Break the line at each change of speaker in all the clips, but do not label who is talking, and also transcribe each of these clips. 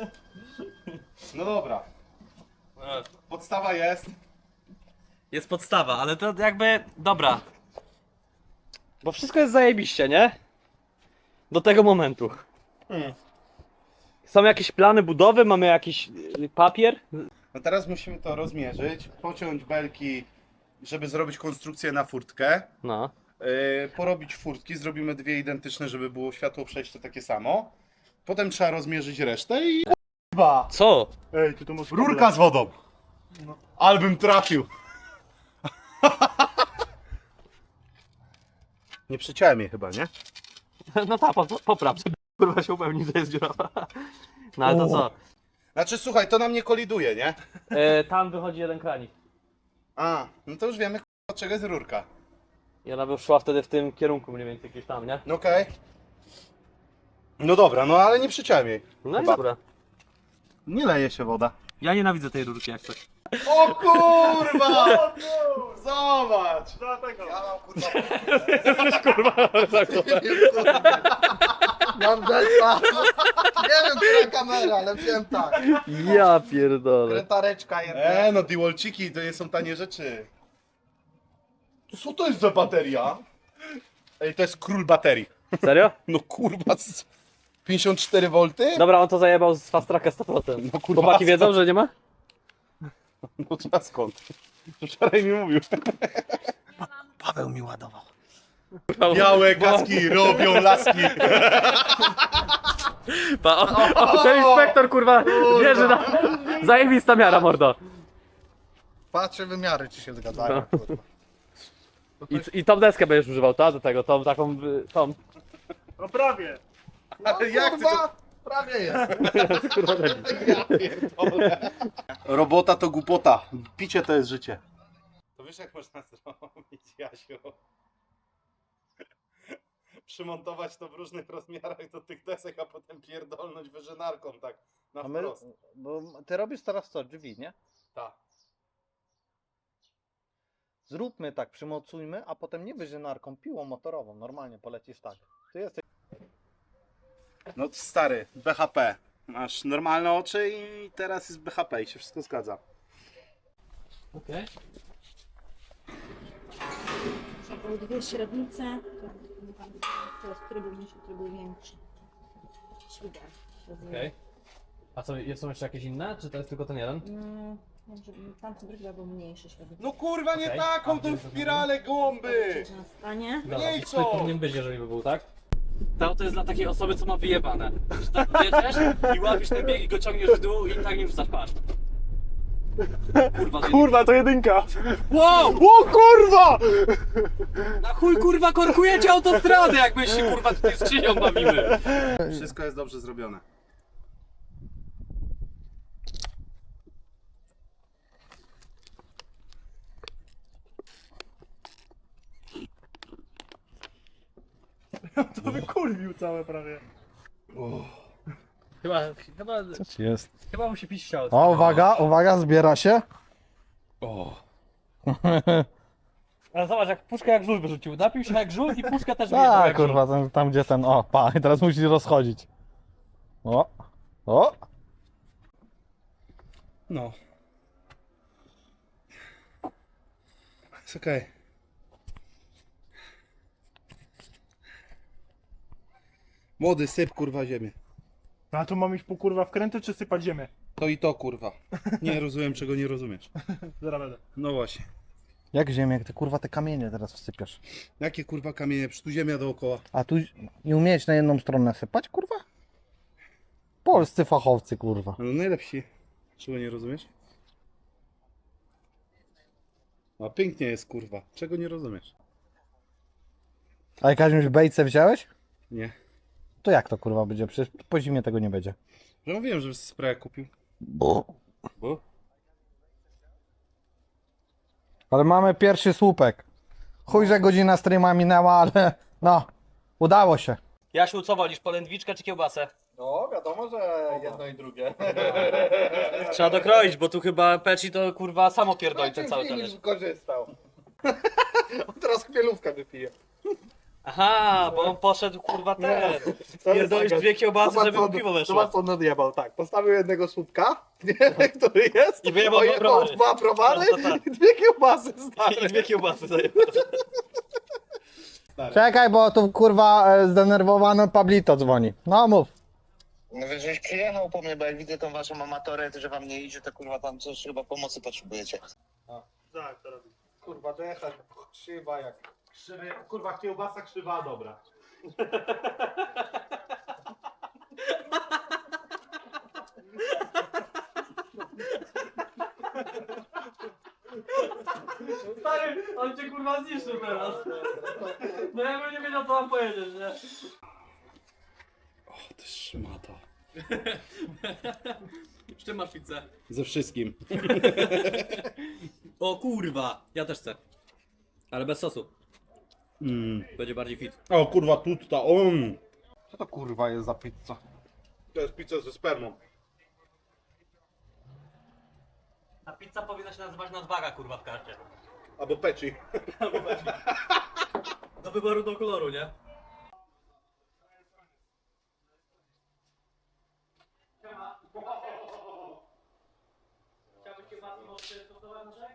No dobra. Podstawa jest.
Jest podstawa, ale to jakby... Dobra. Bo wszystko jest zajebiście, nie? Do tego momentu. Są jakieś plany budowy, mamy jakiś papier?
No teraz musimy to rozmierzyć, pociąć belki, żeby zrobić konstrukcję na furtkę.
No.
Porobić furtki, zrobimy dwie identyczne, żeby było światło przejście takie samo. Potem trzeba rozmierzyć resztę i... K***a!
Co?
Ej, ty to masz
Rurka z wodą! Albym trafił! Nie przyciąłem jej chyba, nie?
No tak, popraw, żeby kurwa się upewnić, że jest dziurawa. No ale to co?
Znaczy słuchaj, to nam nie koliduje, nie?
Tam wychodzi jeden kranik.
A, no to już wiemy od czego jest rurka.
I ona by szła wtedy w tym kierunku mniej więcej gdzieś tam, nie?
No okej. No dobra, no ale nie przyciąłem jej.
No i
Chyba.
dobra.
Nie leje się woda.
Ja nienawidzę tej rurki jak coś.
O kurwa! Zobacz!
Dlatego.
Ja mam kurwa. Mam zespa. Nie wiem, która kamera, ale wiem tak.
Ja pierdolę.
Kretareczka jedna.
No Diwalciki to nie są tanie rzeczy. Co to jest za bateria? Ej, to jest król baterii.
Serio?
No kurwa, 54 V?
Dobra, on to zajebał z fast tracka 100%.
No kurwa,
Chłopaki wiedzą, że nie ma?
No trzeba skąd? Wczoraj mi mówił.
Paweł mi ładował.
Białe kaski robią laski.
Ten inspektor kurwa wierzy na... Zajebista miara, mordo.
Patrzę wymiary, czy się zgadzają. Kurwa.
I tą deskę będziesz używał, ta? Do tego, tą taką... tą.
No prawie.
Ale jak ty to...
Kurwa, prawie jest.
Robota to głupota. Picie to jest życie. To wiesz jak można zrobić, Jasiu? Przymontować to w różnych rozmiarach do tych desek, a potem pierdolnąć wyżynarką tak na
A my,
wprost.
bo ty robisz teraz co, drzwi, nie?
Tak.
Zróbmy tak, przymocujmy, a potem nie wyżynarką, piłą motorową, normalnie polecisz tak. Ty jesteś...
No stary, BHP. Masz normalne oczy i teraz jest BHP i się wszystko zgadza.
Okej.
Były dwie średnice, teraz który był mniejszy, który był większy. Świder.
Okej. A co, są jeszcze jakieś inne? Czy to jest tylko ten jeden?
Tamten drugi był mniejszy średnik.
No kurwa nie
Okej.
taką
A
tą
gdzie to
spiralę głąby!
Na stanie.
Dobra,
Mniej
i
co?
to powinien być, jeżeli by był, tak? To jest dla takiej osoby, co ma wyjebane. Że tak jedziesz i łapiesz ten bieg i go ciągniesz w dół i tak nie wrzucasz, patrz. Kurwa,
Kurwa, to jedynka.
wow!
O kurwa!
Na chuj kurwa korkujecie autostradę, jak my się kurwa tutaj skrzynią bawimy.
Wszystko jest dobrze zrobione.
To wykurwił całe prawie.
Chyba mu się pić chciało.
O, uwaga, uwaga, zbiera się.
Ale zobacz, jak puszkę jak żul wyrzucił. Napił się jak żul i puszka też wyjechał
Tak,
jak żul.
kurwa, tam gdzie ten, o, pa, i teraz musisz rozchodzić. O.
No. Jest okej. Młody, syp kurwa ziemię.
A tu mam iść po kurwa wkręty, czy sypać ziemię?
To i to kurwa. Nie rozumiem czego nie rozumiesz.
Zaraz będę.
No właśnie.
Jak ziemię, jak ty kurwa te kamienie teraz wsypiasz?
Jakie kurwa kamienie, przecież tu ziemia dookoła.
A tu nie umieć na jedną stronę sypać, kurwa? Polscy fachowcy, kurwa.
No najlepsi. Czego nie rozumiesz? A pięknie jest kurwa. Czego nie rozumiesz?
A jakąś bejce wziąłeś?
Nie.
To jak to kurwa będzie? Przecież po zimie tego nie będzie.
Że mówiłem, że spray kupił.
Bo.
Bo?
Ale mamy pierwszy słupek. Chuj, że godzina streama minęła, ale no, udało się.
Jasiu, co wolisz, polędwiczkę czy kiełbasę?
No, wiadomo, że jedno i drugie.
Trzeba dokroić, bo tu chyba Peci to kurwa samo pierdoli ten cały talerz.
wykorzystał. On teraz chmielówkę wypije.
Aha, bo on poszedł kurwa ten. Pierdolisz dwie kiełbasy, żeby mu piwo weszło.
Zobacz, co on nadjebał, tak. Postawił jednego słupka, nie, który jest,
I wyjebał dwa
ojebał
browary.
dwa browary
No to tak.
i dwie kiełbasy, stary.
I dwie kiełbasy zajebał.
Czekaj, bo tu kurwa zdenerwowany Pablito dzwoni. No mów.
No więc żeś przyjechał po mnie, bo jak widzę tą waszą amatorę, że wam nie idzie, to kurwa tam coś chyba pomocy potrzebujecie.
Tak, to robi.
Kurwa, decha, krzywa jak... Krzywy, kurwa, kiełbasa krzywa, dobra.
Stary, on cię kurwa zniszczył teraz. No ja bym nie wiedział co mam powiedzieć, nie?
O, ty szmato.
Z czym masz pizzę?
Ze wszystkim.
O kurwa, ja też chcę. Ale bez sosu.
Mm.
Będzie bardziej fit.
O kurwa, tutta, on.
Co to kurwa jest za pizza?
To jest pizza ze spermą.
Ta pizza powinna się nazywać nadwaga kurwa w karcie.
Albo peci.
Do wyboru do koloru, nie? Chciałbyś kiełbasy może stosować naszej?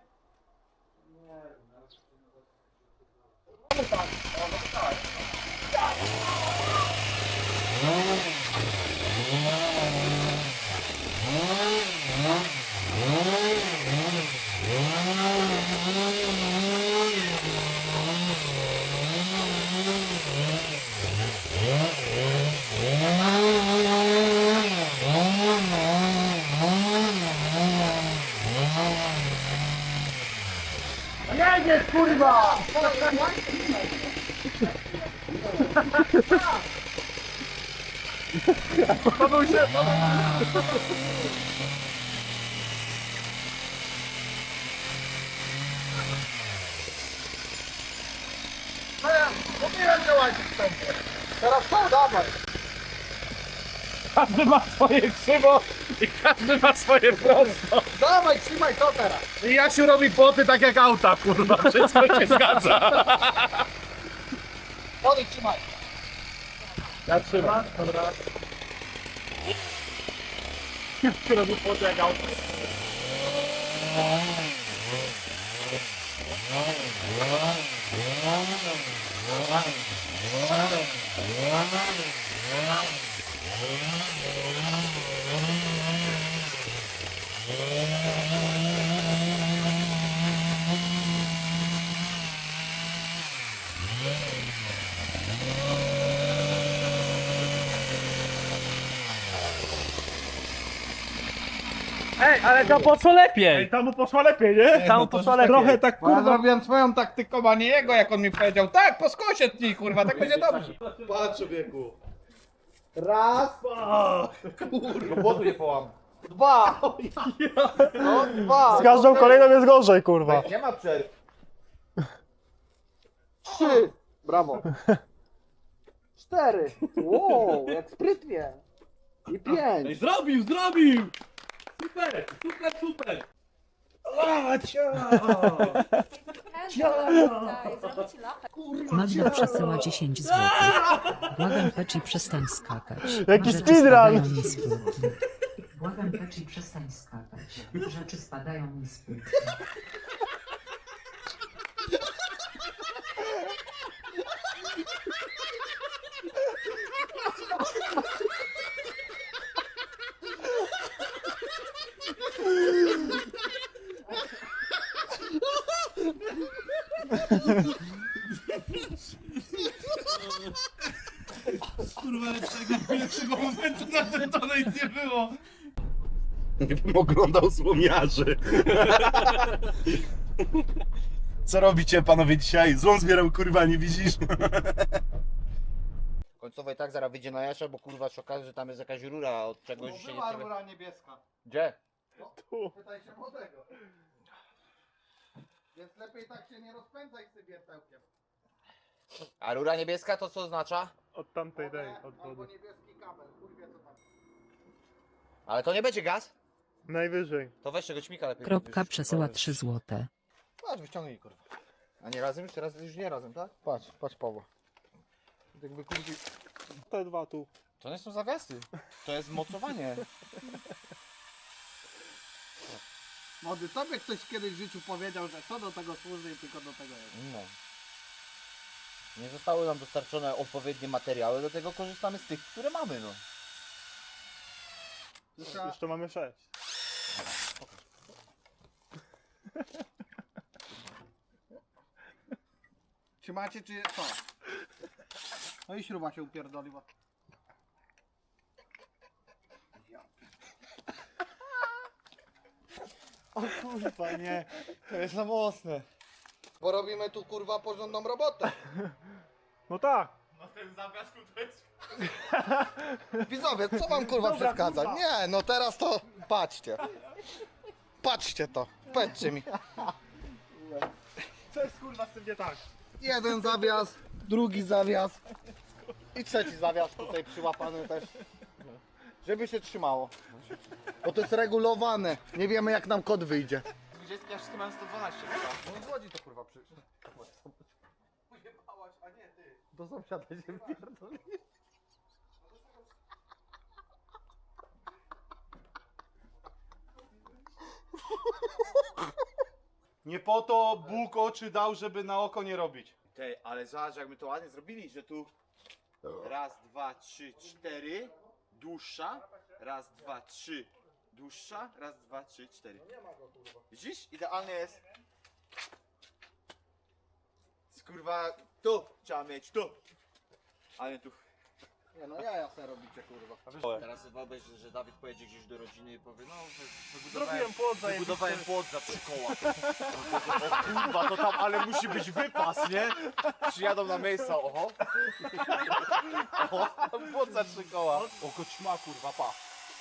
Każdy ma swoje krzywo i każdy ma swoje prosto.
Dawaj, trzymaj to teraz.
I Jasiu robi płoty tak jak auta, kurwa. Wszystko się zgadza.
Podejdź, trzymaj.
Ja trzymam, dobra. Ja robię podlegał.
Ej, ale to poszło lepiej!
Ej, tam mu poszło lepiej, nie?
Tam poszło lepiej.
Trochę tak
Kurwa,
kurwa.
zrobiłem swoją taktyką, a nie jego, jak on mi powiedział. Tak, po skosie tnij, kurwa, tak będzie dobrze.
Patrz, człowieku.
Raz. Kurwa, błotu nie połam. Dwa. No, dwa.
Z każdą kolejną jest gorzej, kurwa.
Nie ma przerw. Trzy. Brawo. Cztery. Wow, jak sprytnie. I pięć.
Zrobił! Super, super, super!
Magda przesyła 10 zł. Błagam Peci, przestań skakać.
Jaki
Rzeczy
speedrun!
spadają mi z półki. Błagam Peci, przestań skakać. Rzeczy spadają mi z półki.
Kurwa, lepszego momentu na ten donate nie było. Nie bym oglądał złomiarzy. Co robicie panowie dzisiaj? Złom zbierał, kurwa, nie widzisz?
Końcowo i tak zaraz wyjdzie na Jasza, bo kurwa się okaże, że tam jest jakaś rura od czegoś się nie
Była
ciebie...
rura niebieska.
Gdzie?
Tu. Pytaj się młodego. Więc lepiej tak się nie rozpędzaj z tym wiertełkiem.
A rura niebieska to co oznacza?
Od tamtej dej, od
Albo
wody.
niebieski kabel, chuj wie co tam.
Ale to nie będzie gaz?
Najwyżej.
To weź tego ćmika lepiej.
Kropka
podwyższ,
przesyła
kurwa.
3 złote.
Patrz, wyciągnij kurwa. A nie razem już? Teraz już nie razem, tak? Patrz, patrz Pawła.
Jakby kurki...
Te dwa tu.
To nie są zawiasy. To jest mocowanie.
Młody, tobie ktoś kiedyś w życiu powiedział, że to do tego służy i tylko do tego jest.
No. Nie zostały nam dostarczone odpowiednie materiały, do tego korzystamy z tych, które mamy, no.
Jeszcze mamy 6.
Trzymacie czy co? No i śruba się upierdoliła.
O kurwa, nie. To jest za mocne.
Bo robimy tu kurwa porządną robotę.
No tak.
Widzowie, co wam kurwa przeszkadza?
kurwa.
Nie, no teraz to patrzcie. Patrzcie to. Powiedzcie mi.
Co jest kurwa z tym nie tak?
Jeden zawias, drugi zawias i trzeci zawias tutaj przyłapany też. Żeby się trzymało. Bo to jest regulowane. Nie wiemy jak nam kod wyjdzie.
20 ja wszystkie mam 112.
No z Łodzi to kurwa przyszło.
Pojebałaś, a nie ty.
Do sąsiada się pierdoli.
Nie po to Bóg oczy dał, żeby na oko nie robić.
Tej, ale zobacz jak my to ładnie zrobili, że tu raz, dwa, trzy, cztery, dłuższa, raz, dwa, trzy, dłuższa, raz, dwa, trzy, cztery. Widzisz? Idealnie jest. Kurwa, tu trzeba mieć, tu. A nie tu.
Nie no jaja se robicie kurwa.
Teraz wyobraź, że Dawid pojedzie gdzieś do rodziny i powie, no
Zrobiłem płot zajebisty.
wybudowałem płot za 3 koła. O kurwa, to tam, ale musi być wypas, nie? Przyjadą na miejsce, oho. Oho, płot za 3 koła. O koćma, kurwa, pa.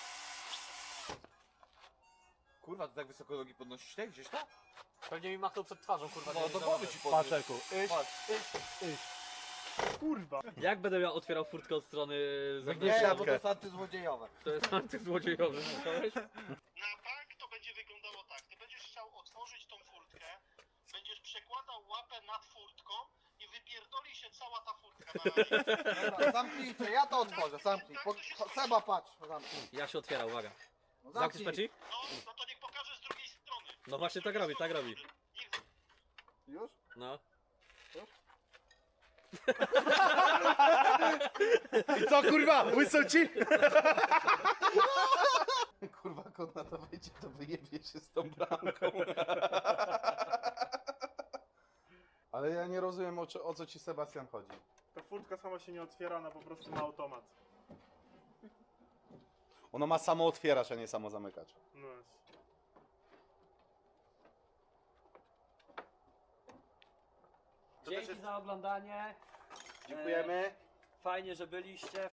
Kurwa, to tak wysoko nogi podnosisz te gdzieś tam?
Pewnie mi machnął przed twarzą, kurwa.
No
nie
do
wiem,
głowy
za
ci
Patrz,
podnieś.
Eku. Kurwa.
Jak będę miał otwierał furtkę od strony
Nie,
zewnętrznej?
bo to jest antysłodziejowe.
To jest antyzłodziejowy, słyszałeś?
Na bank to będzie wyglądało tak. Ty będziesz chciał otworzyć tą furtkę, będziesz przekładał łapę nad furtką i wypierdoli się cała ta furtka na razie.
Dobra, zamknijcie, ja to otworzę, zamknij. Seba patrz, zamknij.
Ja się otwieram, uwaga.
No,
Zamknij peci?
No to niech pokaże z drugiej strony.
No właśnie tak robi, tak robi.
Niech
Już?
No.
I co kurwa, łysą ci? Kurwa, kot na to wejdzie, to wyjebie się z tą bramką. Ale ja nie rozumiem o co ci Sebastian chodzi.
Ta furtka sama się nie otwiera, ona po prostu ma automat.
Ona ma samo otwieracz, a nie samo zamykacz.
No jest.
Dzięki za oglądanie.
Dziękujemy.
Fajnie, że byliście.